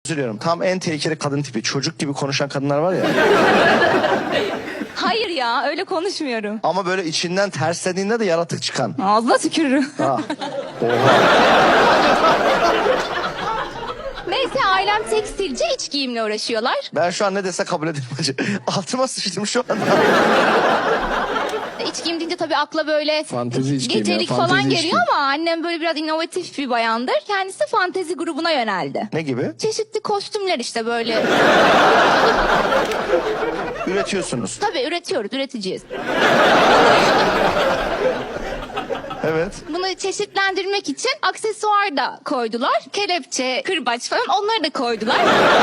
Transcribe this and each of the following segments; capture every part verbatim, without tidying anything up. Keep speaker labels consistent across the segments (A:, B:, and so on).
A: Üzülüyorum. Tam en tehlikeli kadın tipi. Çocuk gibi konuşan kadınlar var ya.
B: Hayır ya, öyle konuşmuyorum.
A: Ama böyle içinden terslediğinde de yaratık çıkan.
B: Ağzına tükürürüm.
A: Ha. Oha.
B: Neyse, ailem tekstilci, iç giyimle uğraşıyorlar.
A: Ben şu an ne dese kabul ederim hacı. Altıma sıçtım şu anda.
B: İç giyim deyince tabii akla böyle
C: Fantezi iç giyim ya,
B: gecelik
C: fantezi
B: falan
C: iç
B: geliyor
C: giyim.
B: ama annem böyle biraz inovatif bir bayandır. Kendisi fantezi grubuna yöneldi.
A: Ne gibi?
B: Çeşitli kostümler işte böyle.
A: Üretiyorsunuz.
B: Tabii üretiyoruz, üreticiyiz.
A: Evet.
B: Bunu çeşitlendirmek için aksesuar da koydular. Kelepçe, kırbaç falan, onları da koydular.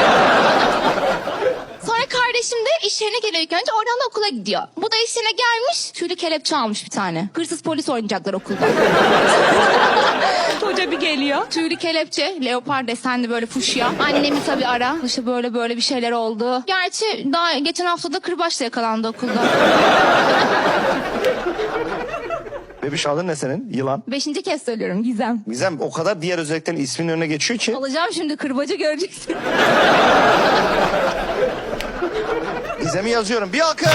B: Sonra kardeşim de iş yerine geliyor ilk önce, oradan da okula gidiyor. Bu da iş yerine gelmiş, tüylü kelepçe almış bir tane. Hırsız polis oynayacaklar okulda. Hoca bir geliyor. Tüylü kelepçe, leopar desenli böyle fuşya. Annemi tabii ara. İşte böyle böyle bir şeyler oldu. Gerçi daha geçen hafta da kırbaçla yakalandı okulda.
A: Bebiş adın ne senin? Yılan.
B: Beşinci kez söylüyorum, Gizem.
A: Gizem o kadar diğer özelliklerin isminin önüne geçiyor ki.
B: Alacağım şimdi, kırbacı göreceksin.
A: Gizem'i yazıyorum. Bir alkış.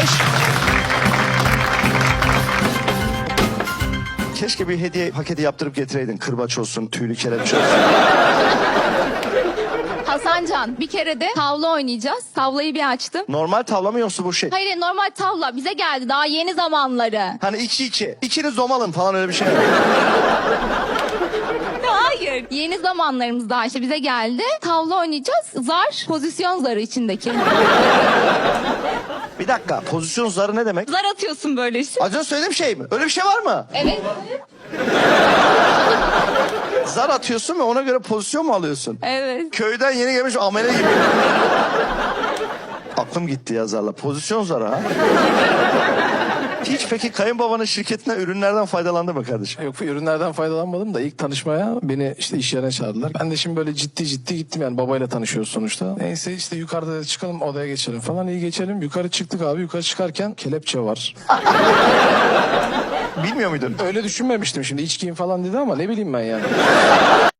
A: Keşke bir hediye paketi yaptırıp getireydin. Kırbaç olsun, tüylü kelepçe olsun.
B: Hasancan, bir kere de tavla oynayacağız. Tavlayı bir açtım.
A: Normal tavla mı yoksa bu şey?
B: Hayır, normal tavla bize geldi daha yeni zamanları.
A: Hani iki iki. İkiniz domalın falan öyle bir şey mi?
B: Hayır. Yeni zamanlarımız daha işte bize geldi. Tavla oynayacağız. Zar, pozisyon zarı içindeki.
A: Bir dakika. Pozisyon zarı ne demek?
B: Zar atıyorsun böyle işte.
A: Az önce söylediğim şey mi? Öyle bir şey var mı?
B: Evet.
A: Zar atıyorsun ve ona göre pozisyon mu alıyorsun?
B: Evet.
A: Köyden yeni gelmiş amele gibi. Aklım gitti ya zarla. Pozisyon zarı ha. Hiç peki kayınbabanın şirketinden ürünlerden faydalandı mı kardeşim?
C: Yok, ürünlerden faydalanmadım da ilk tanışmaya beni işte iş yerine çağırdılar. Ben de şimdi böyle ciddi ciddi gittim, yani babayla tanışıyoruz sonuçta. Neyse işte yukarıda çıkalım, odaya geçelim falan, iyi geçelim. Yukarı çıktık abi, yukarı çıkarken kelepçe var.
A: Bilmiyor muydun?
C: Öyle düşünmemiştim, şimdi iç giyim falan dedi ama ne bileyim ben yani.